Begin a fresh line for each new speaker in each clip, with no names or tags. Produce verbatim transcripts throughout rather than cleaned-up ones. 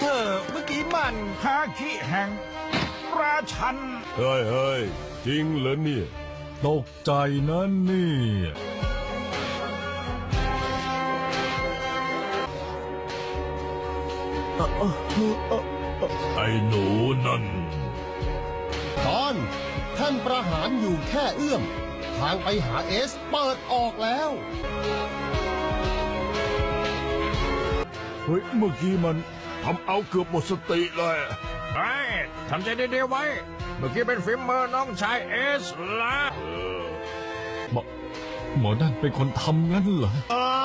เธอเมื่อกี้มัน
ฮาคิแห่งราชัน
เฮ้ยเฮ้ยจริงเหรอเนี่ยตกใจนะเนี่ยไอ้หนูนั่น
ตอนท่านประหารอยู่แค่เอื้อมทางไปหาเอสเปิดออกแล้ว
เฮ้ยเมื่อกี้มันทำเอาเกือบหมดสติเลย
ไอ้ทำใจดีๆไว้ เมื่อกี้เป็นฝีมือน้องชายเอสละ
หมอหมอนั่นเป็นคนทำงั้นเหรอ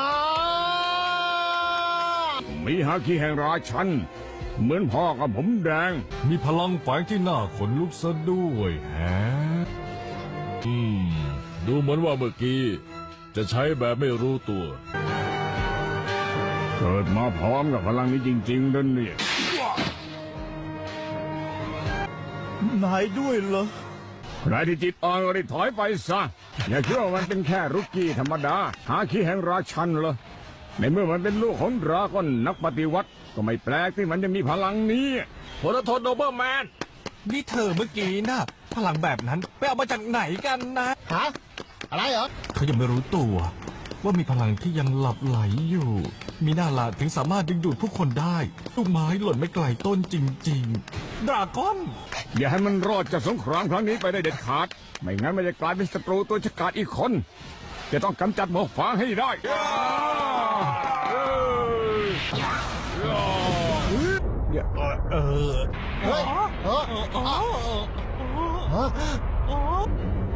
มีฮาคิแห่งราชันเหมือนพ่อกับผมแดง
มีพลังแฝงที่น่าขนลุกซะด้วยแฮะอืมดูเหมือนว่าเมื่อกี้จะใช้แบบไม่รู้ตัว
เกิดมาพร้อมกับพลังนี้จริงๆนั่นเนี่ย
นายด้วยเหรอ
ใครที่จิตอ่อนก็ได้ถอยไปซะอย่าคิดว่ามันเป็นแค่รุกกี้ธรรมดาหาคิแห่งราชันเหรอในเมื่อมันเป็นลูกของดราก้อนนักปฏิวัติก็ไม่แปลกที่มันจะมีพลังนี้
โพลโทนโนเบอร์แมนนี่เธอเมื่อกี้นะพลังแบบนั้นไปเอามาจากไหนกันนะ
ฮะอะไรเหรอ
เขายังไม่รู้ตัวว่ามีพลังที่ยังหลับไหลอยู่ มีหน้าลาถึงสามารถดึงดูดผู้คนได้ลูกไม้หล่นไม่ไกลต้นจริงๆดราก้อน
อย่าให้มันรอดจากสงครามครั้งนี้ไปได้เด็ดขาดไม่งั้นมันจะกลายเป็นศัตรูตัวฉกาจอีกคนจะต้องกำจัดหมอกฟางให้ได้
เออ
เฮ้ยเออเออ